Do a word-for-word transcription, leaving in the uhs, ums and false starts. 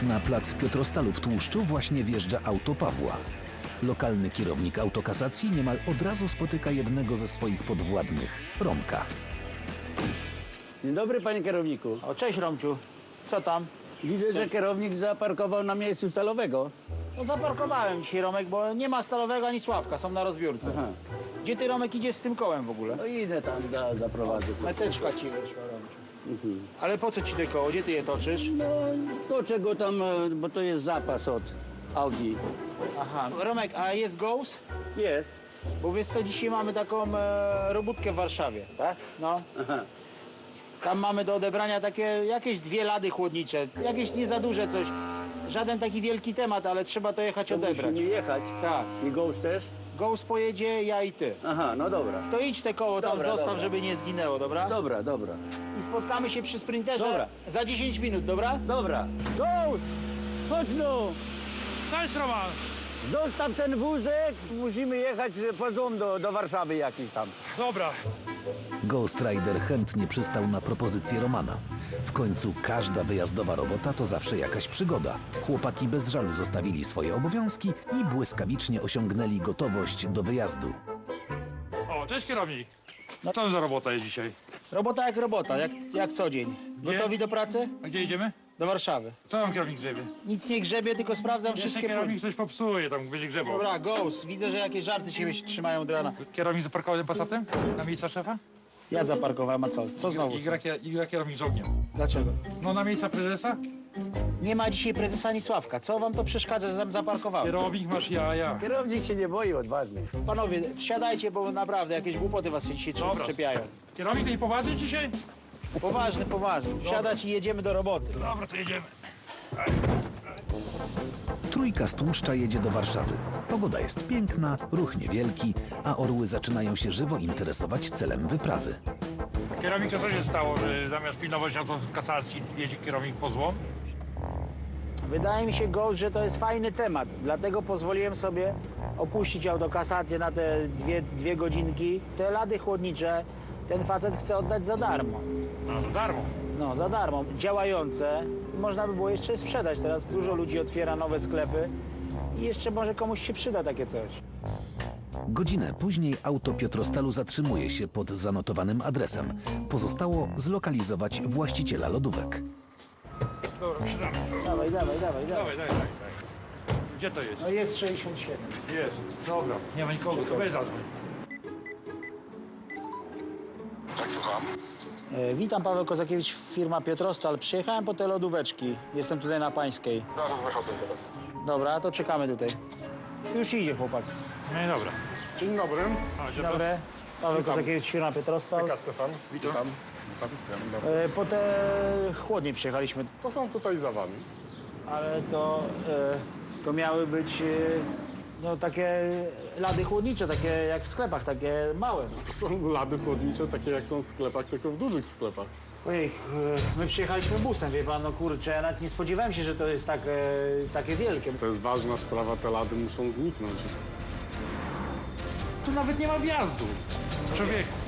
Na plac Piotrostalu w Tłuszczu właśnie wjeżdża auto Pawła. Lokalny kierownik autokasacji niemal od razu spotyka jednego ze swoich podwładnych, Romka. Dzień dobry, panie kierowniku. O, cześć Romciu. Co tam? Widzę, że kierownik zaparkował na miejscu stalowego. No zaparkowałem dzisiaj, Romek, bo nie ma Stalowego ani Sławka, są na rozbiórce. Aha. Gdzie ty, Romek, idziesz z tym kołem w ogóle? No idę tam, za, zaprowadzę. Meteczka ci wyszła, Romciu. Ale po co ci te koło? Gdzie ty je toczysz? No, to czego tam, e, bo to jest zapas od Audi. Aha. Romek, a jest Ghost? Jest. Bo wiesz co, dzisiaj mamy taką e, robótkę w Warszawie. Tak? No. Aha. Tam mamy do odebrania takie jakieś dwie lady chłodnicze, jakieś nie za duże coś. Żaden taki wielki temat, ale trzeba to jechać To odebrać. musimy jechać. Tak. I Ghost też? Ghost pojedzie, ja i ty. Aha, no dobra. To idź te koło tam Dobra, zostaw, dobra. żeby nie zginęło, dobra? Dobra, dobra. I spotkamy się przy sprinterze Dobra. za dziesięć minut, dobra? Dobra. Ghost! Chodź no! Cześć, Roman! Zostaw ten wózek, musimy jechać po złom do, do Warszawy jakiś tam. Dobra. Ghost Rider chętnie przystał na propozycję Romana. W końcu każda wyjazdowa robota to zawsze jakaś przygoda. Chłopaki bez żalu zostawili swoje obowiązki i błyskawicznie osiągnęli gotowość do wyjazdu. O, cześć kierownik. No co za robota jest dzisiaj? Robota jak robota, jak, jak co dzień. Gotowi do pracy? A gdzie idziemy? Do Warszawy. Co tam kierownik grzebie? Nic nie grzebie, tylko sprawdzam Jeszcze wszystkie kierownik punkty. coś popsuje, tam będzie grzebał. Dobra, Ghost, widzę, że jakieś żarty ciebie się trzymają od rana. Kierownik zaparkował tym Passatem? Na miejsca szefa? Ja zaparkowałem, a co? Co znowu? I gra, i gra kierownik z ogniem. Dlaczego? No na miejsca prezesa? Nie ma dzisiaj prezesa ani Sławka. Co wam to przeszkadza, że tam zaparkowałem? Kierownik masz ja, ja. Kierownik się nie boi, odważny. Panowie, wsiadajcie, bo naprawdę jakieś głupoty was się dzisiaj Dobra. czepiają. Kierownik to nie poważny dzisiaj? Poważny, poważny. Wsiadać i jedziemy do roboty. Dobra, to jedziemy. Trójka z Tłuszcza jedzie do Warszawy. Pogoda jest piękna, ruch niewielki, a orły zaczynają się żywo interesować celem wyprawy. Kierownik, to co się stało, że zamiast pilnować na to kasacji jedzie kierownik po złom? Wydaje mi się, Ghost, że to jest fajny temat. Dlatego pozwoliłem sobie opuścić autokasację na te dwie, dwie godzinki. Te lady chłodnicze ten facet chce oddać za darmo. No za darmo. No, za darmo. Działające. Można by było jeszcze je sprzedać. Teraz dużo ludzi otwiera nowe sklepy i jeszcze może komuś się przyda takie coś. Godzinę później auto Piotrostalu zatrzymuje się pod zanotowanym adresem. Pozostało zlokalizować właściciela lodówek. Dobra, wsiadamy. Dawaj, dawaj, dawaj, dawaj. Dawaj, dawaj, dawaj. Gdzie to jest? No jest sześćdziesiąt siedem. Jest. Dobra, nie ma nikogo, to weź zadzwoń. Tak, słucham. E, witam, Paweł Kozakiewicz, firma Piotrostal. Przyjechałem po te lodóweczki. Jestem tutaj na Pańskiej. Zaraz wychodzę teraz. Dobra, to czekamy tutaj. Już idzie chłopak. No i dobra. Dzień dobry. A, gdzie Dzień to? dobry. Paweł Witam. Kozakiewicz, firma Piotrostal. Witam, Stefan. Witam. Witam. Witam. Dobry. E, po te chłodnie przyjechaliśmy, To są tutaj za wami. ale to, e, to miały być e, no, takie lady chłodnicze, takie jak w sklepach, takie małe. To są lady chłodnicze, takie jak są w sklepach, tylko w dużych sklepach. Ojej, e, my przyjechaliśmy busem, wie pan, no kurczę, ja nawet nie spodziewałem się, że to jest tak, e, takie wielkie. To jest ważna sprawa, te lady muszą zniknąć. Tu nawet nie ma wjazdu. Człowieku.